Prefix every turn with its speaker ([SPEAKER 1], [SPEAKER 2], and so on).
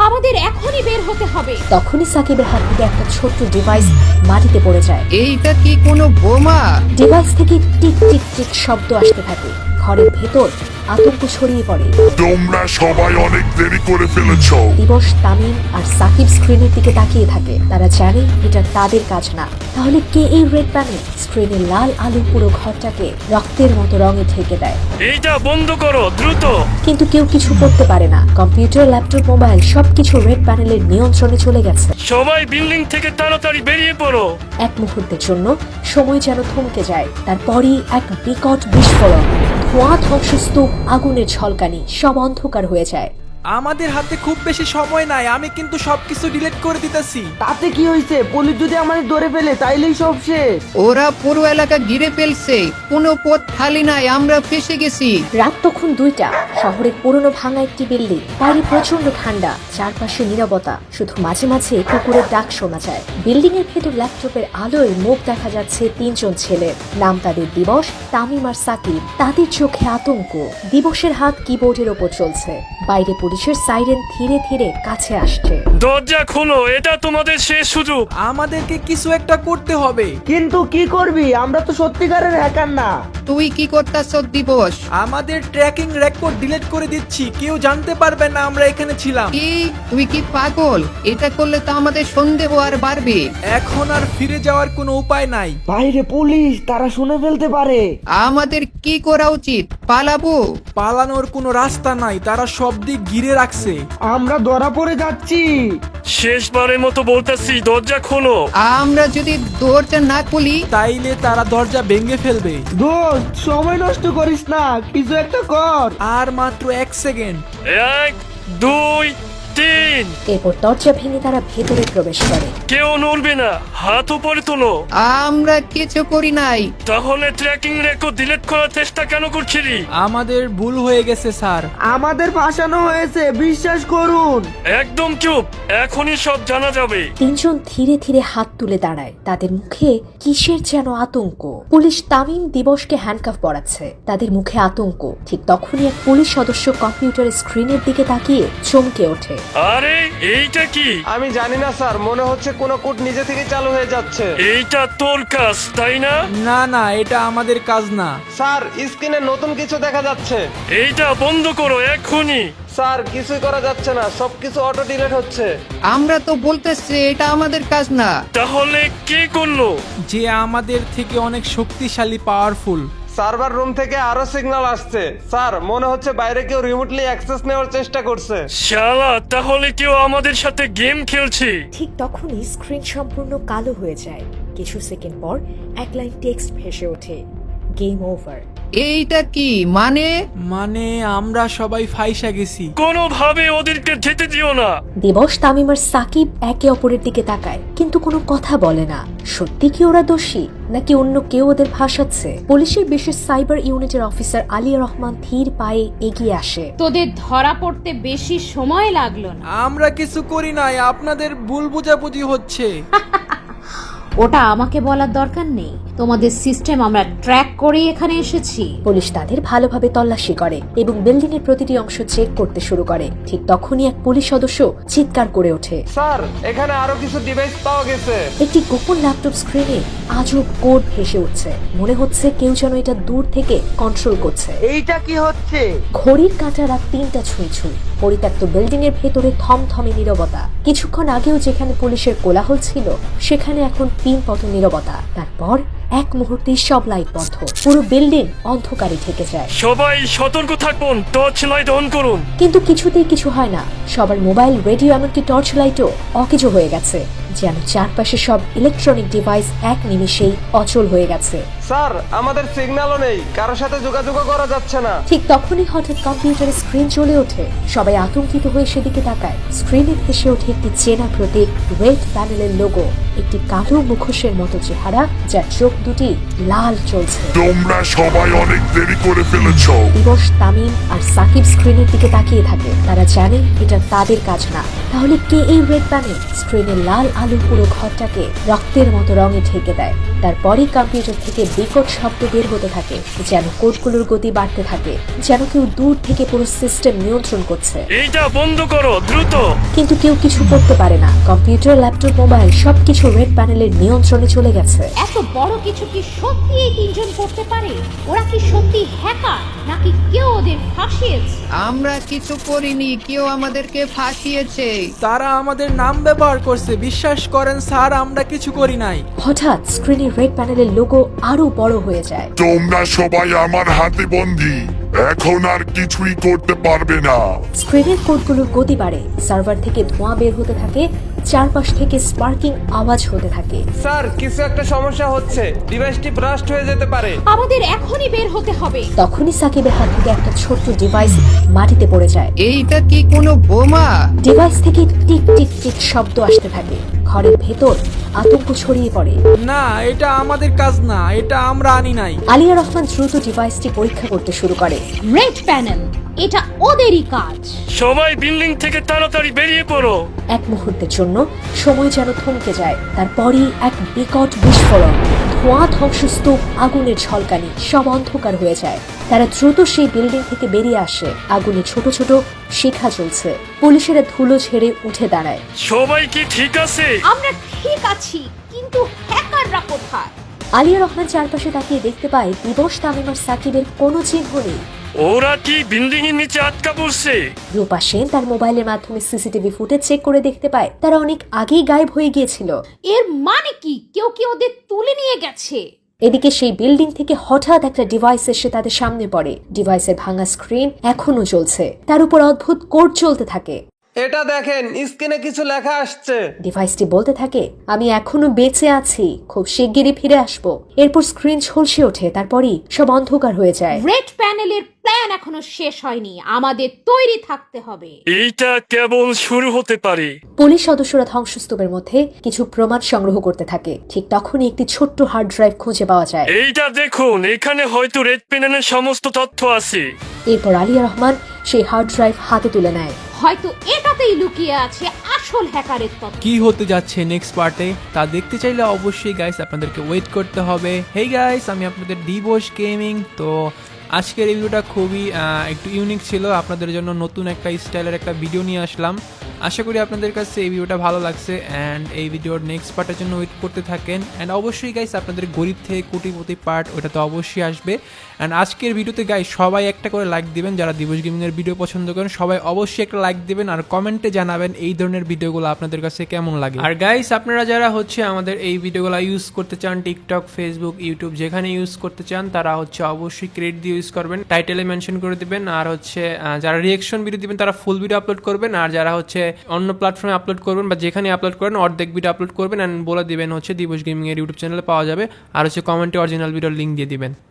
[SPEAKER 1] আমাদের এখনই বের হতে হবে।
[SPEAKER 2] তখনই সাকিবের হাত থেকে একটা ছোট্ট ডিভাইস মাটিতে পড়ে যায়।
[SPEAKER 3] এইটা কি কোনো বোমা?
[SPEAKER 2] ডিভাইস থেকে টিক টিক টিক শব্দ আসতে থাকে। ঘরের ভেতর আতঙ্ক ছড়িয়ে পড়ে।
[SPEAKER 4] তোমরা সবাই অনেক দেরি করে ফেলেছো।
[SPEAKER 2] দিবস, তামিম আর সাকিব স্ক্রিনের দিকে তাকিয়ে থাকে। তারা জানে এটা তাদের কাজ না। তাহলে কে এই রেড প্যানেল? স্ক্রিনের লাল আলো পুরো ঘরটাকে রক্তের মতো রঙে ঢেকে দেয়।
[SPEAKER 5] এইটা বন্ধ করো দ্রুত।
[SPEAKER 2] কিন্তু কেউ কিছু করতে পারে না। কম্পিউটার, ল্যাপটপ, মোবাইল সবকিছু রেড প্যানেলের নিয়ন্ত্রণে চলে গেছে।
[SPEAKER 5] সবাই বিল্ডিং থেকে তাড়াতাড়ি বেরিয়ে পড়ো।
[SPEAKER 2] এক মুহূর্তের জন্য সময় যেন থমকে যায়। তারপরই এক বিকট বিস্ফোরণ, ধোঁয়া, ধ্বংসস্তূপ, আগুনের ঝলকানি, সব অন্ধকার হয়ে যায়।
[SPEAKER 6] আমাদের হাতে খুব বেশি সময় নাই, আমি কিন্তু সবকিছু ডিলিট করে দিতেছি।
[SPEAKER 7] তাতে কি হয়েছে? পুলিশ যদি আমাদের ধরে ফেলে তাইলেই সব শেষ।
[SPEAKER 3] ওরা পুরো এলাকা ঘিরে ফেলছে, কোনো পথ খালি নাই, আমরা ফেসে গেছি।
[SPEAKER 2] রাত তখন 2টা। শহরের পুরনো ভাঙা একটি বিল্ডিং। বাইরে প্রচন্ড ঠান্ডা, চারপাশে নীরবতা, শুধু মাঝে মাঝে কুকুরের ডাক শোনা যায়। বিল্ডিং এর ভেতর ল্যাপটপের আলোয় মুখ দেখা যাচ্ছে 3জন ছেলের। নাম তাদের দিবস, তামিম আর সাকিব। তাদের চোখে আতঙ্ক। দিবসের হাত কিবোর্ডের ওপর চলছে। বাইরে পুলিশের সাইরেন ধীরে ধীরে কাছে আসছে।
[SPEAKER 5] দরজা খোলো, এটা তোমাদের শেষ সুযোগ।
[SPEAKER 6] আমাদেরকে কিছু একটা করতে হবে।
[SPEAKER 7] কিন্তু কি করবি? আমরা তো সত্যিকারের হ্যাকার না।
[SPEAKER 3] তুই কি করতাছ দিবস?
[SPEAKER 6] আমাদের ট্র্যাকিং রেকর্ড ডিলিট করে দিচ্ছি, কেউ জানতে পারবে না আমরা এখানে ছিলাম।
[SPEAKER 3] কি তুই কি পাগল? এটা করলে তো আমাদের সন্দেহ আর বাড়বে।
[SPEAKER 6] এখন আর ফিরে যাওয়ার কোনো উপায় নাই।
[SPEAKER 7] বাইরে পুলিশ, তারা শুনে ফেলতে পারে।
[SPEAKER 3] আমাদের কি করা উচিত? পালাবো?
[SPEAKER 6] পালানোর কোনো রাস্তা নাই, তারা সব দিক ঘিরে রাখছে।
[SPEAKER 7] আমরা ধরা পড়ে যাচ্ছি।
[SPEAKER 5] শেষবারের মতো বলতেছি, দরজা খোলো।
[SPEAKER 3] আমরা যদি দরজা না খুলি?
[SPEAKER 6] তাইলে তারা দরজা ভেঙে ফেলবে।
[SPEAKER 7] দোস্ত, সময় নষ্ট করিস না, কিছু একটা কর।
[SPEAKER 6] আর মাত্র 1 সেকেন্ড।
[SPEAKER 5] 1, 2, 3।
[SPEAKER 2] এরপর দরজা ভেঙে তারা ভেতরে প্রবেশ করে।
[SPEAKER 5] কেউ নড়বে না, হাত উপরে তোলো।
[SPEAKER 3] আমরা কিছু করি নাই।
[SPEAKER 5] তাহলে ট্র্যাকিং রেকর্ড ডিলিট করার চেষ্টা কেন করছিলি?
[SPEAKER 6] আমাদের ভুল হয়ে গেছে স্যার।
[SPEAKER 7] আমাদের ফাঁসানো হয়েছে, বিশ্বাস করুন।
[SPEAKER 5] একদম চুপ, এখনই সব জানা যাবে।
[SPEAKER 2] 3জন ধীরে ধীরে হাত তুলে দাঁড়ায়। তাদের মুখে কিসের যেন আতঙ্ক। পুলিশ তামিম দিবসকে হ্যান্ডকাফ পরাচ্ছে। তাদের মুখে আতঙ্ক। ঠিক তখনই এক পুলিশ সদস্য কম্পিউটারের স্ক্রিনের দিকে তাকিয়ে চমকে ওঠে।
[SPEAKER 5] আরে এইটা কি?
[SPEAKER 8] আমি জানি না স্যার, মনে হচ্ছে কোনো কোড নিজে থেকে চালু হয়ে যাচ্ছে।
[SPEAKER 5] এইটা তোর কাজ, তাই না?
[SPEAKER 6] না না, এটা আমাদের কাজ না।
[SPEAKER 8] স্যার, স্ক্রিনে নতুন কিছু দেখা যাচ্ছে।
[SPEAKER 5] এইটা বন্ধ করো এক্ষুনি।
[SPEAKER 8] স্যার, কিছুই করা যাচ্ছে না, সবকিছু অটো ডিলিট হচ্ছে।
[SPEAKER 3] আমরা তো বলতেছি এটা আমাদের কাজ না।
[SPEAKER 5] তাহলে কে করলো?
[SPEAKER 6] যে আমাদের থেকে অনেক শক্তিশালী, পাওয়ারফুল।
[SPEAKER 8] সার্ভার রুম থেকে আরো সিগন্যাল আসছে। স্যার, মনে হচ্ছে বাইরে কেউ রিমোটলি অ্যাক্সেস নেওয়ার চেষ্টা করছে।
[SPEAKER 5] শালা, তাহলে কেউ আমাদের সাথে গেম খেলছে।
[SPEAKER 2] ঠিক তখনই স্ক্রিন সম্পূর্ণ কালো হয়ে যায়। কিছু সেকেন্ড পর এক লাইন টেক্সট ভেসে ওঠে, গেম ওভার।
[SPEAKER 3] এইটা কি
[SPEAKER 6] মানে আমরা সবাই ফাইসা গেছি।
[SPEAKER 5] কোনোভাবে ওদেরকে যেতে দিও না।
[SPEAKER 2] দিবস, তামিম আর সাকিব একে অপরের দিকে তাকায়, কিন্তু কোনো কথা বলে না। সত্যি কি ওরা দোষী, নাকি অন্য কেউ ওদের ভাসাচ্ছে? পুলিশের বিশেষ সাইবার ইউনিটের অফিসার আলিয়া রহমান ধীর পায়ে এগিয়ে আসে।
[SPEAKER 1] তোদের ধরা পড়তে বেশি সময় লাগলো না।
[SPEAKER 6] আমরা কিছু করি নাই, আপনাদের ভুল বোঝাবুঝি হচ্ছে।
[SPEAKER 1] ওটা আমাকে বলার দরকার নেই। তোমাদের সিস্টেম আমরা ট্র্যাক করে এখানে এসেছি।
[SPEAKER 2] পুলিশ তাদের ভালোভাবে তল্লাশি করে এবং বিল্ডিং এর প্রতিটি অংশ চেক করতে শুরু করে। ঠিক তখনই এক পুলিশ সদস্য চিৎকার করে ওঠে,
[SPEAKER 8] স্যার, এখানে আরো কিছু ডিভাইস পাওয়া গেছে।
[SPEAKER 2] একটি গোপন ল্যাপটপ স্ক্রিনে আজব কোড ভেসে উঠছে। মনে হচ্ছে কেউ যেন এটা দূর থেকে কন্ট্রোল করছে।
[SPEAKER 7] এইটা কি হচ্ছে?
[SPEAKER 2] ঘড়ির কাঁটা রাত 3টা ছুঁই ছুঁই। পরিত্যক্ত বিল্ডিং এর ভেতরে থমথমে নীরবতা। কিছুক্ষণ আগেও যেখানে পুলিশের কোলাহল ছিল, সেখানে এখন পিনপতন নীরবতা। তারপর এক মুহূর্তেই সব লাইট বন্ধ। পুরো বিল্ডিং অন্ধকারে ঢেকে যায়।
[SPEAKER 5] সবাই সতর্ক থাকুন, টর্চ লাইট অন করুন।
[SPEAKER 2] কিন্তু কিছুতেই কিছু হয় না। সবার মোবাইল, রেডিও, এমনকি টর্চ লাইটও অকেজো হয়ে গেছে। যেন চারপাশে সব ইলেকট্রনিক ডিভাইস এক নিমিষেই অচল হয়ে গেছে।
[SPEAKER 8] স্যার, আমাদের সিগন্যালও নেই, কারোর সাথে যোগাযোগও করা যাচ্ছে না।
[SPEAKER 2] ঠিক তখনই হঠাৎ কম্পিউটারের স্ক্রিন জ্বলে ওঠে। সবাই আতঙ্কিত হয়ে সেদিকে তাকায়। স্ক্রিনে ভেসে ওঠে একটি চেনা প্রতীক, রেড প্যানেলের লোগো, একটি কালো মুখোশের মতো চেহারা, যার চোখ দুটি লাল জ্বলছে।
[SPEAKER 4] তোমরা সবাই অনেক দেরি করে ফেলেছো।
[SPEAKER 2] দিবস, তামিম আর সাকিব স্ক্রিনের দিকে তাকিয়ে থাকে। তারা জানে এটা তাদের কাজ না। তাহলে কে এই রেড প্যানেল? স্ক্রিনের লাল আলো পুরো ঘরটাকে রক্তের মতো রঙে ঢেকে দেয়। তারপরেই কম্পিউটার থেকে বিকট শব্দ বের হতে থাকে, যেন কোডগুলোর গতি বাড়তে থাকে, যেন কেউ দূর থেকে পুরো সিস্টেম নিয়ন্ত্রণ করছে।
[SPEAKER 5] এইটা বন্ধ করো দ্রুত।
[SPEAKER 2] কিন্তু কেউ কিছু করতে পারে না। কম্পিউটার, ল্যাপটপ, মোবাইল সবকিছু রেড প্যানেলের নিয়ন্ত্রণে চলে গেছে।
[SPEAKER 1] এত বড় কিছু কি সত্যি এই তিনজন করতে পারে? ওরা কি সত্যি হ্যাকার নাকি কেউ ওদের ফাঁসিয়েছে?
[SPEAKER 3] আমরা কিছু করিনি, কেউ আমাদেরকে ফাঁসিয়েছে।
[SPEAKER 6] তারা আমাদের নাম ব্যবহার করছে, বিশ্বাস করেন স্যার, আমরা কিছু করি নাই।
[SPEAKER 2] হঠাৎ স্ক্রিনে রেড প্যানেলের লোগো আরো বড় হয়ে যায়।
[SPEAKER 4] তোমরা সবাই আমার হাতে বন্দী, এখন আর কিছুই করতে পারবে না।
[SPEAKER 2] স্ক্রিনের কোডগুলোর গতি বাড়ে, সার্ভার থেকে ধোঁয়া বের হতে থাকে, চারপাশ থেকে স্পার্কিং আওয়াজ হতে থাকে।
[SPEAKER 8] স্যার কিছু একটা সমস্যা হচ্ছে, ডিভাইসটি ব্রাস্ট হয়ে যেতে পারে।
[SPEAKER 1] আমাদের এখনই বের হতে হবে।
[SPEAKER 2] তখনই সাকিবের হাত থেকে একটা ছোট্ট ডিভাইস মাটিতে পড়ে যায়।
[SPEAKER 3] এইটা কি কোনো বোমা?
[SPEAKER 2] ডিভাইস থেকে টিক টিক টিক শব্দ আসতে থাকে। ঘরের ভেতর আতঙ্ক ছড়িয়ে পড়ে।
[SPEAKER 6] না, এটা আমাদের কাজ না, এটা আমরা আনি নাই।
[SPEAKER 2] আলিয়া রহমান দ্রুত ডিভাইসটি পরীক্ষা করতে শুরু করে।
[SPEAKER 1] রেড প্যানেল, এটা ওদেরই কাজ।
[SPEAKER 5] সবাই বিল্ডিং থেকে তাড়াতাড়ি বেরিয়ে পড়ো।
[SPEAKER 2] এক মুহূর্তের জন্য সময় যেন থমকে যায়, তারপরই এক বিকট বিস্ফোরণ, ধোঁয়া, ধ্বংসস্তূপ, আগুনের ঝলকানি, সব অন্ধকার হয়ে যায়। তারা দ্রুত সেই বিল্ডিং থেকে বেরিয়ে আসে। আগুনে ছোট ছোট শিখা জ্বলছে। পুলিশেরা ধুলো ঝেড়ে উঠে দাঁড়ায়।
[SPEAKER 5] সবাই কি ঠিক আছে?
[SPEAKER 1] আমরা ঠিক আছি, কিন্তু হ্যাকাররা কোথায়?
[SPEAKER 2] আলিয়া রহমান চারপাশে তাকিয়ে দেখতে পায় দিবস, তামিম আর সাকিবের কোনো চিহ্ন নেই।
[SPEAKER 5] ওরা কি বিল্ডিং এর নিচে আটকা পড়ছে?
[SPEAKER 2] রূপা সেন তার মোবাইলের মাধ্যমে সিসিটিভি ফুটেজ চেক করে দেখতে পায় তারা অনেক আগেই গায়েব হয়ে গিয়েছিল।
[SPEAKER 1] এর মানে কি কেউ কি ওদের তুলে নিয়ে গেছে?
[SPEAKER 2] এদিকে সেই বিল্ডিং থেকে হঠাৎ একটা ডিভাইস এসে তাদের সামনে পড়ে। ডিভাইসের ভাঙা স্ক্রিন এখনো চলছে, তার উপর অদ্ভুত কোড চলতে থাকে।
[SPEAKER 8] এটা দেখেন, স্ক্রিনে কিছু লেখা আসছে।
[SPEAKER 2] ডিভাইসটি বলতে থাকে, আমি এখনো বেঁচে আছি, খুব শিগগিরই ফিরে আসবো। এরপর স্ক্রিন ঝলসে ওঠে, তারপরই সব অন্ধকার হয়ে যায়।
[SPEAKER 1] রেড প্যানেলের প্ল্যান এখনো শেষ হয়নি, আমাদের তৈরি থাকতে হবে।
[SPEAKER 5] এইটা কেবল শুরু হতে পারে।
[SPEAKER 2] পুলিশ সদস্যরা ধ্বংসস্তূপের মধ্যে কিছু প্রমাণ সংগ্রহ করতে থাকে। ঠিক তখনই একটি ছোট্ট হার্ড ড্রাইভ খুঁজে পাওয়া যায়।
[SPEAKER 5] এইটা দেখুন, এখানে হয়তো রেড প্যানেলের সমস্ত তথ্য আছে।
[SPEAKER 2] এরপর আলিয়া রহমান সেই হার্ড ড্রাইভ হাতে তুলে নেয়।
[SPEAKER 1] হয়তো এটাতেই লুকিয়ে আছে আসল হ্যাকারের তথ্য।
[SPEAKER 6] কি হতে যাচ্ছে নেক্সট পার্টে তা দেখতে চাইলে অবশ্যই গাইস আপনাদেরকে ওয়েট করতে হবে। হেই গাইস, আমি আপনাদের দিবস গেমিং। তো আজকের এই ভিডিওটা খুবই একটু ইউনিক ছিল, আপনাদের জন্য নতুন একটা স্টাইলের একটা ভিডিও নিয়ে আসলাম। আশা করি আপনাদের কাছে এই ভিডিওটা ভালো লাগছে অ্যান্ড এই ভিডিওর নেক্সট পার্টের জন্য ওয়েট করতে থাকেন। অ্যান্ড অবশ্যই গাইস আপনাদের গরিব থেকে কোটিপতি পার্ট ওটা তো অবশ্যই আসবে। অ্যান্ড আজকের ভিডিওতে গাইস সবাই একটা করে লাইক দিবেন, যারা দিবস গেমিংয়ের ভিডিও পছন্দ করেন সবাই অবশ্যই একটা লাইক দিবেন আর কমেন্টে জানাবেন এই ধরনের ভিডিওগুলো আপনাদের কাছে কেমন লাগে। আর গাইস আপনারা যারা হচ্ছে আমাদের এই ভিডিওগুলো ইউজ করতে চান, টিকটক, ফেসবুক, ইউটিউব যেখানে ইউজ করতে চান তারা হচ্ছে অবশ্যই ক্রেডিট দিয়ে ইউজ করবেন, টাইটেলে মেনশন করে দিবেন। আর হচ্ছে যারা রিয়েকশন ভিডিও দিবেন তারা ফুল ভিডিও আপলোড করবেন, আর যারা হচ্ছে অন্য প্ল্যাটফর্মে আপলোড করবেন বা যেখানে আপলোড করেন অর্ধেক ভিডিও আপলোড করবেন অ্যান্ড বলে দিবেন হচ্ছে দিবস গেমিং এর ইউটিউব চ্যানেলে পাওয়া যাবে। আর হচ্ছে কমেন্টে অরিজিনাল ভিডিওর লিঙ্ক দিয়ে দিবেন।